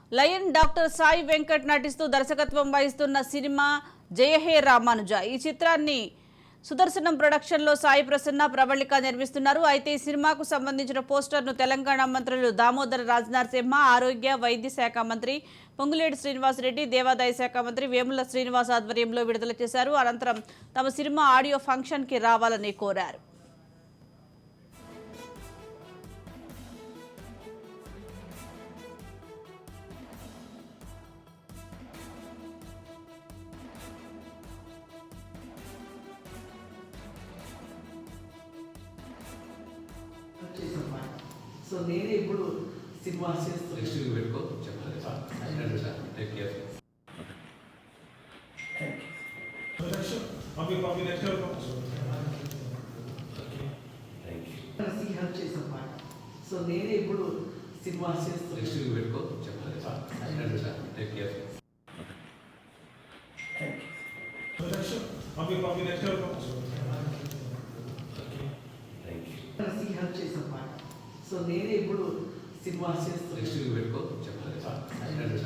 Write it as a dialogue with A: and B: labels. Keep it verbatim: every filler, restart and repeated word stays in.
A: Lion doctor Sai Venkat నటిస్తూ దర్శకత్వం వహిస్తున్న సినిమా జయహే రామానుజ. ఈ చిత్రాన్ని సుదర్శనం ప్రొడక్షన్ లో సాయి ప్రసన్న ప్రవళిక నిర్మిస్తున్నారు. అయితే ఈ సినిమాకు సంబంధించిన పోస్టర్ ను తెలంగాణ మంత్రులు దామోదర రాజనరసింహ, ఆరోగ్య వైద్య శాఖ మంత్రి పొంగులేటి శ్రీనివాసరెడ్డి, దేవాదాయ శాఖ మంత్రి వేముల శ్రీనివాస్ ఆధ్వర్యంలో విడుదల చేశారు. అనంతరం తమ సినిమా ఆడియో ఫంక్షన్ కి రావాలని కోరారు.
B: సో నేనే ఇప్పుడు సినిమా చేస్తాను.
C: నెక్స్ట్ వీక్ పెట్టుకో చెప్పాలి సార్. Take care.
D: పంపి పంపి నెక్స్ట్
B: హెల్ప్ చేసాం మాట. సో నేనే ఇప్పుడు సినిమా చేస్తాను.
C: నెక్స్ట్ వీక్ పెట్టుకో చెప్పాలి సార్. Take care.
D: పంపి పంపి నెక్స్ట్
B: హెల్ప్ చేసాం మాట. సో నేనే ఇప్పుడు సినిమా చేస్తాను.
C: నెక్స్ట్ వీక్ పెట్టుకో చెప్పాలి సార్.